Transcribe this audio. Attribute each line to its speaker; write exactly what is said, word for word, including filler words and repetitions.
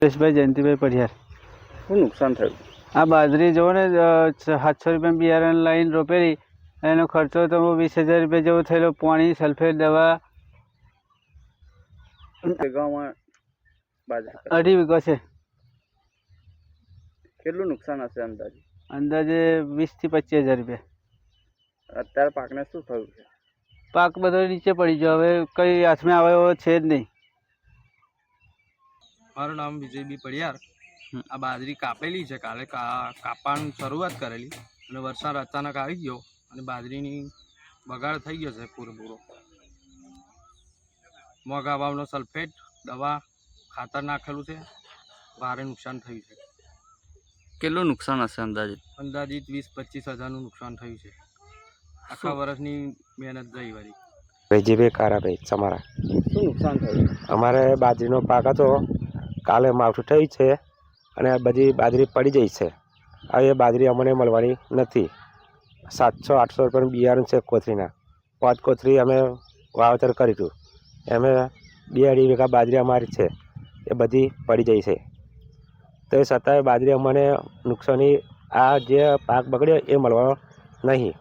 Speaker 1: સુરેશભાઈ જયંતિભાઈ પઢિયાર.
Speaker 2: શું નુકસાન થયું?
Speaker 1: આ બાજરી જો ને સાતસો રૂપિયા બિયારણ લાઈન રોપેલી, એનો ખર્ચો તો વીસ હજાર રૂપિયા જેવો થયેલો. પાણી, સલ્ફેટ, દવા. અઢી વીઘો છે.
Speaker 2: કેટલું નુકસાન હશે અંદાજે?
Speaker 1: અંદાજે વીસ થી પચીસ હજાર રૂપિયા.
Speaker 2: અત્યારે પાકને શું થયું છે?
Speaker 1: પાક બધો નીચે પડી ગયો, હવે કઈ હાથમાં આવે એવો છે જ નહીં.
Speaker 3: મારું નામ વિજયબી પઢિયાર. આ બાજરી કાપેલી છે, કાલે કાપવાની શરૂઆત કરેલી અને વરસાદ અચાનક આવી ગયો અને બાજરીની બગાડ થઈ ગયો છે પૂરેપૂરો. મોંઘા ભાવનો સલ્ફેટ, દવા, ખાતર નાખેલું છે, ભારે નુકસાન થયું છે.
Speaker 2: કેટલું નુકસાન હશે અંદાજે?
Speaker 3: અંદાજિત વીસ પચીસ હજારનું નુકસાન થયું છે. આખા વર્ષની મહેનત જઈ વળી.
Speaker 4: વિજયભાઈ કારાભાઈ તમારા.
Speaker 2: શું નુકસાન થયું?
Speaker 4: અમારે બાજરીનો પાક હતો, કાલે માવઠું થયું છે અને બધી બાજરી પડી જઈ છે. હવે એ બાજરી અમને મળવાની નથી. સાતસો આઠસો રૂપિયાનું બિયારણ છે કોથરીના. પાંચ કોથરી અમે વાવેતર કર્યું હતું, એમે બે અઢી વીઘા બાજરી અમારી છે, એ બધી પડી જાય છે. તો એ છતાંય બાજરી અમને નુકસાની, આ જે પાક બગડ્યો એ મળવાનો નહીં.